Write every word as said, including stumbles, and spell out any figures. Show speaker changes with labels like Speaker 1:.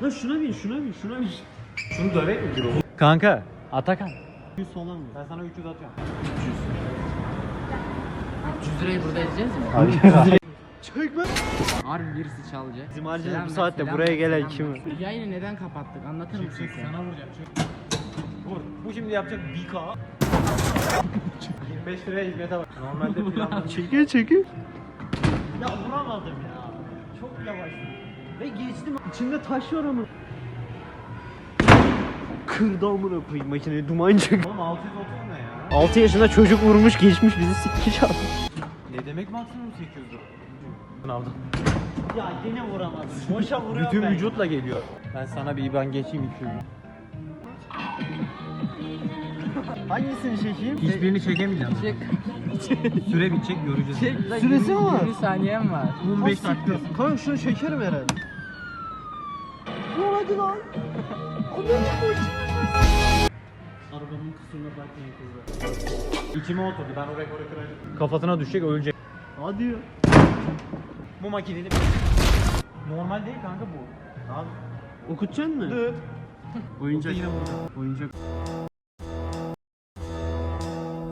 Speaker 1: Lan şuna bin, şuna bin, şuna bin.
Speaker 2: Şunu dövek mi bir o?
Speaker 1: Kanka, Atakan. yüz falan mı? Ben sana üç yüz atıyorum.
Speaker 3: üç yüz lirayı burada edeceğiz mi?
Speaker 1: Hayır. Çekme.
Speaker 3: Harbi birisi çalacak.
Speaker 1: Bizim harcayacağız
Speaker 3: Selam
Speaker 1: bu
Speaker 3: ver,
Speaker 1: saatte
Speaker 3: selam
Speaker 1: buraya
Speaker 3: ver,
Speaker 1: gelen
Speaker 3: selam
Speaker 1: kimi?
Speaker 3: ver. Yayını neden kapattık? Anlatır mısın sen?
Speaker 2: Sana vuracağım. Çık. Vur. Bu şimdi yapacak bir K. yirmi beş liraya hizmete bak. Normalde planladım.
Speaker 1: Çekiyor çekiyor. Ya vuramadım ya. Çok yavaş. Ve geçtim. İçinde taş var ama. Kırdı amına koyayım makineyi, duman çıktı.
Speaker 2: Oğlum altı yüz otuz ne ya?
Speaker 1: altı yaşında çocuk vurmuş geçmiş bizi sikmiş aldı.
Speaker 2: Ne demek maksimum sekiz yüz lira? Bunu aldım.
Speaker 1: Ya yine vuramadım. Boşa vuruyor.
Speaker 2: Bütün vücutla geliyor. Ben sana bir İban geçeyim iki yüz.
Speaker 1: Hangisini çekeyim?
Speaker 2: Hiçbirini çekemeyeceğim.
Speaker 3: Çek.
Speaker 2: Süre bitecek göreceğiz.
Speaker 3: Çek la,
Speaker 1: Süresi mi var?
Speaker 3: yirmi saniyem var.
Speaker 2: on beş dakika.
Speaker 1: Kanka şunu çekerim herhalde. Lan hadi lan. Arabamın kusuruna bakmayın kızlar.
Speaker 2: İçime oturdu. Ben o rekoru kıracağım. Kafasına düşecek ölecek.
Speaker 1: Hadi ya.
Speaker 2: Bu makineli normal değil kanka bu. Abi.
Speaker 1: Okutacaksın mı?
Speaker 2: Dıt.
Speaker 1: Oyuncak.
Speaker 2: Yine vuracağım.
Speaker 1: Oyuncak.